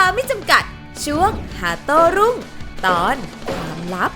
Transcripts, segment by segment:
ไม่จำกัดช่วงหาโต้รุ่งตอนความลับ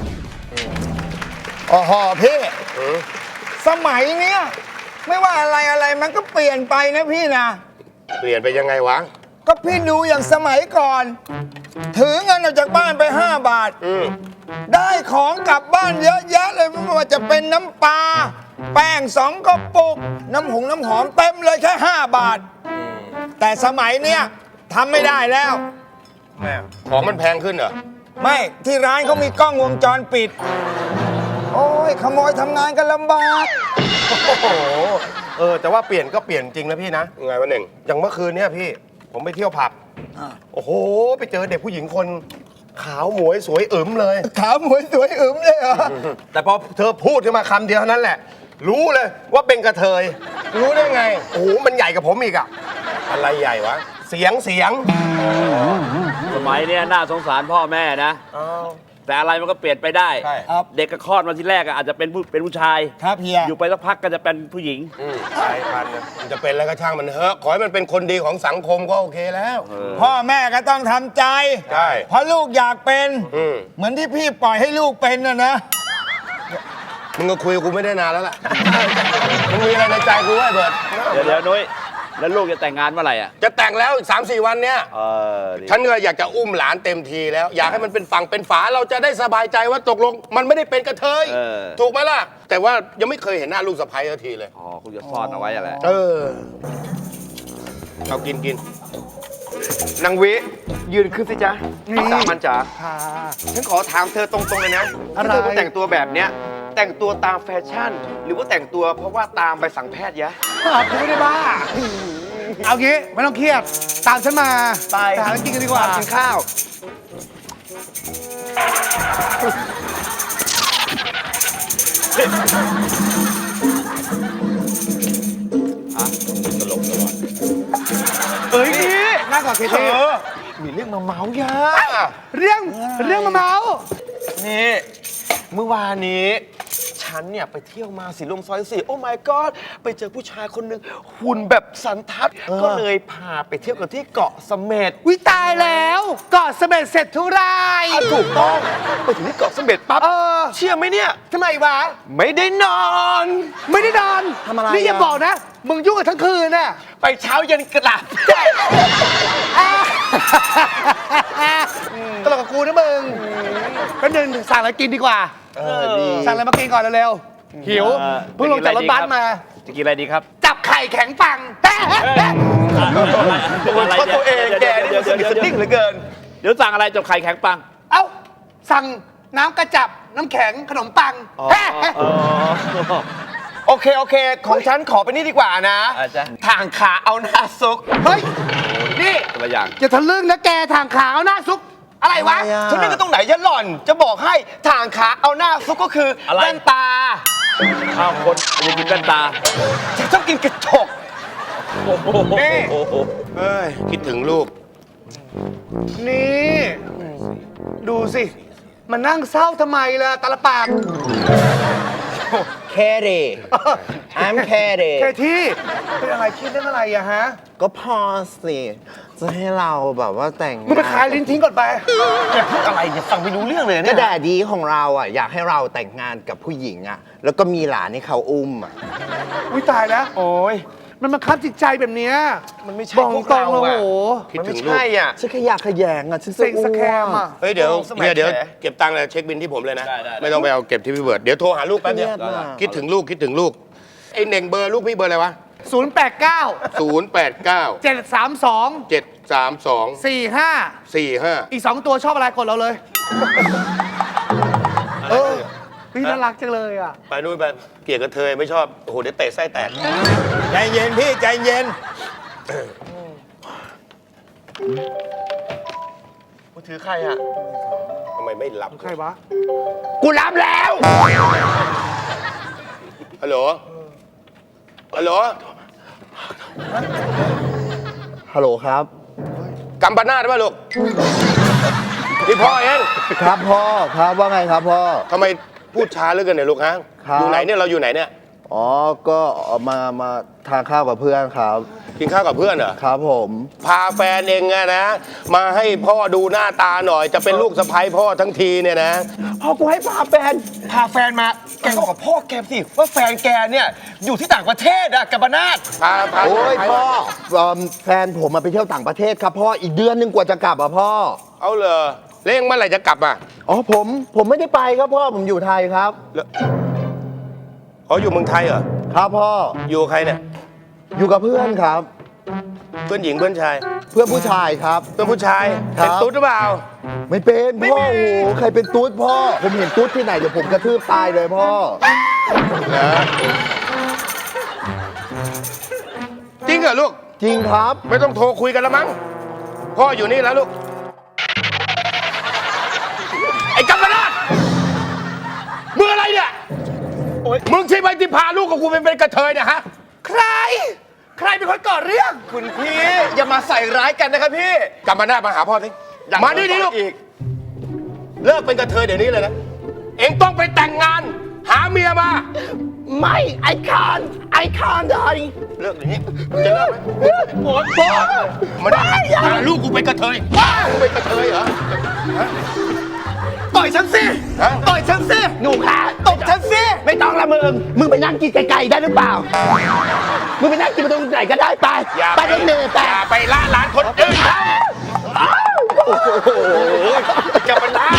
โอ้โหพี่สมัยเนี้ยไม่ว่าอะไรมันก็เปลี่ยนไปนะพี่นะเปลี่ยนไปยังไงวะก็พี่ดูอย่างสมัยก่อนถือเงินออกจากบ้านไป5 บาทได้ของกลับบ้านเยอะแยะเลยไม่ว่าจะเป็นน้ำปลาแป้ง2 กระปุกน้ำหอมเต็มเลยแค่5 บาทแต่สมัยเนี้ยทำไม่ได้แล้วของมันแพงขึ้นเหรอไม่ที่ร้านเขามีกล้องวงจรปิดโอ้ยขโมยทำงานกันลำบากโอ้โหแต่ว่าเปลี่ยนก็เปลี่ยนจริงนะพี่นะไงวะเน่งอย่างเมื่อคืนเนี่ยพี่ผมไปเที่ยวผับโอ้โหไปเจอเด็กผู้หญิงคนขาวหมวยสวยอึ๋มเลยขาวหมวยสวยอึ๋มเลยเหรอแต่พอเธอพูดขึ้นมาคำเดียวเท่านั้นแหละรู้เลยว่าเป็นกระเทยรู้ได้ไงโอ้โหมันใหญ่กับผมอีกอะอะไรใหญ่วะเสียงสมัยเนี้ยน่าสงสารพ่อแม่นะแต่อะไรมันก็เปลี่ยนไปได้เด็กก็คลอดมาทีแรกอาจจะเป็นผู้ชายครับเฮียอยู่ไปสักพักก็จะเป็นผู้หญิงใช่พันมันจะเป็นอะไรก็ช่างมันเถอะขอให้มันเป็นคนดีของสังคมก็โอเคแล้วพ่อแม่ก็ต้องทำใจใช่เพราะลูกอยากเป็นเหมือนที่พี่ปล่อยให้ลูกเป็นนะมึงก็คุยกับกูไม่ได้นานแล้วล่ะมึงมีอะไรในใจกูไว้เบิร์ดเดี๋ยวนุ้ยแล้วลูกจะแต่งงานเมื่อไหร่จะแต่งแล้วอีก3-4 วันเนี้ยฉันก็อยากจะอุ้มหลานเต็มทีแล้วอยากให้มันเป็นฝั่งเป็นฝาเราจะได้สบายใจว่าตกลงมันไม่ได้เป็นกระเทยถูกไหมล่ะแต่ว่ายังไม่เคยเห็นหน้าลูกสะใภ้สักทีเลยอ๋อคุณจะซ่อนเอาไว้อะไรเอากินนางวิยืนขึ้นสิจ๊ะสามัญจ๋าฉันขอถามเธอตรงๆเลยนะที่เธอแต่งตัวแบบเนี้ยแต่งตัวตามแฟชั่นหรือว่าแต่งตัวเพราะว่าตามใบสั่งแพทย์ยะกูไม่ได้บ้าเอางี้ไม่ต้องเครียดตามฉันมาไปหากินกันดีกว่ากินข้าวตลกตลอดนี่น่าก่อนเธอมีเรื่องมาเมาส์ยาเรื่องมาเมาส์นี่เมื่อวานนี้ฉันเนี่ยไปเที่ยวมาสีลมซอย4โอ้ my god ไปเจอผู้ชายคนหนึ่งหุ่นแบบสันทัดก็เลยพาไปเที่ยวกันที่เกาะเสม็ดวิตายแล้วเกาะเสม็ดเสร็จทุกรายถูกต้องไปถึงที่เกาะเสม็ดปั๊บเชื่อไหมเนี่ยทำไมวะไม่ได้นอนทำอะไรนี่อย่าบอกนะมึงยุ่งกันทั้งคืนน่ะไปเช้ายันกระดับตลกกับกูนะมึงก็เดินสั่งอะไรกินดีกว่าสั่งอะไรมากินก่อนเร็วๆหิวเพิ่งลงจากรถบัสมาจะกินอะไรดีครับจับไข่แข็งปังตัวเองแกนี่มันสนิทสนิ่งเหลือเกินเดี๋ยวสั่งอะไรจับไข่แข็งปังเอ้าสั่งน้ำกระจับน้ำแข็งขนมปังโอเคของฉันขอไปนี่ดีกว่านะทางขาเอาหน้าซุกเฮ้ยนี่ตัวอย่างจะทะลึ่งนะแกทางขาเอาหน้าซุกอะไรวะฉันนึกว่าตรงไหนจะหล่อนจะบอกให้ทางขาเอาหน้าซุกก็คือแว่นตาข้าวคนจะกินแว่นตาฉันชอบกินกระจกนี่คิดถึงลูกนี่ดูสิมันนั่งเศร้าทำไมล่ะตาลปากแค่เดI'm แค่เดแค่ที่เป็นอะไรคิดเรื่องอะไรอะฮะก็พอสิจะให้เราแบบว่าแต่งมึงไปขายลิ้นทิ้งก่อนไปแกพูดอะไรเนี่ยฟังไม่รู้เรื่องเลยเนี่ยก็แดดดีของเราอ่ะอยากให้เราแต่งงานกับผู้หญิงอ่ะแล้วก็มีหลานให้เขาอุ้มอ่ะอุ้ยตายแล้วโอ้ยมันมาคับจิตใจแบบนี้มันไม่ใช่พวกเราอ่ะมันไม่ใช่อ่ะฉันขยะขยงอ่ะฉันเซ็งสแคมอ่ะเฮ้ยเดี๋ยวเก็บตังค์เลยเช็คบินที่ผมเลยนะไม่ต้องไปเอาเก็บที่พี่เบิร์ดเดี๋ยวโทรหาลูกแป๊บเดียวคิดถึงลูกไอ้เน่งเบอร์ลูกพี่เบอร์อะไรวะ 089 732 45 อีก2ตัวชอบอะไรกดเราเลยพี่น่ารักจังเลยอ่ะไปนู่นไปเกลียดกระเทยไม่ชอบโอ้โหเดี๋ยวเตะไส้แตกใจเย็นพี่ใจเย็นกูถือใครอ่ะทำไมไม่รับใครวะกูรับแล้วฮัลโหลครับกัมปนาทป่ะลูกนี่พ่อเองครับพ่อครับว่าไงครับพ่อทำไมพูดช้าเหลือเกินเนี่ยลูกฮะอยู่ไหนเนี่ยเราอยู่ไหนเนี่ยอ๋อ ก็มาทานข้าวกับเพื่อนครับกินข้าวกับเพื่อนเหรอครับผมพาแฟนเองอะนะ มาให้พ่อดูหน้าตาหน่อย จะเป็นลูกสะใภ้พ่อทั้งทีเนี่ยนะพ่อกูให้พาแฟนมาแกบอกกับพ่อแกสิว่าแฟนแกเนี่ยอยู่ที่ต่างประเทศอะกับบนาทพาโอ้ยไปพ่อแฟนผมมาไปเที่ยวต่างประเทศครับพ่อ อีกเดือนนึงกว่าจะกลับอ่ะพ่อเอาเลยเร่งเมื่อไหร่จะกลับอ่ะอ๋อผมไม่ได้ไปครับพ่อ ผมอยู่ไทยครับอ๋ออยู่เมืองไทยเหรอครับพ่ออยู่กับใครเนี่ยอยู่กับเพื่อนครับเพื่อนหญิงเพื่อนชายเพื่อนผู้ชายครับเพื่อนผู้ชายครับเป็นตุ๊ดหรือเปล่าไม่เป็นพ่อ โอ้โห ใครเป็นตุ๊ดพ่อ ผมเห็นตุ๊ดที่ไหนเดี๋ยวผมกระทืบตายเลยพ่อจริงเหรอลูกจริงครับไม่ต้องโทรคุยกันแล้วมั้ง พ่ออยู่นี่แล้วลูก ไอ้กัมปนาทมึงอะไรเนี่ยมึงใช่ไหมที่พาลูกของกูเป็นกระเทยเนี่ยฮะใครเป็นคนก่อเรื่องคุณพี่อย่ามาใส่ร้ายกันนะครับพี่กัมปนาทมาหาพ่อสิมานี่ดิลูกอีกเลิกเป็นกระเทยเดี๋ยวนี้เลยนะ เอ็งต้องไปแต่งงาน หาเมียมาไม่ไอคานได้เลิกอย่างนี้จะเลิกไหมพ่อมาได้พาลูกกูเป็นกระเทยมึงเป็นกระเทยเหรอต่อยฉันสิฮะต่อยฉันสิหนูคะตบฉันสิไม่ต้องละมึงไปนั่งกินไกลๆได้หรือเปล่า มึงไปนั่งกินตรงไหนก็ได้ไปอย่าไปรถเมล์ไปอย่าไปละลานคนอื่นเขากับมันนะ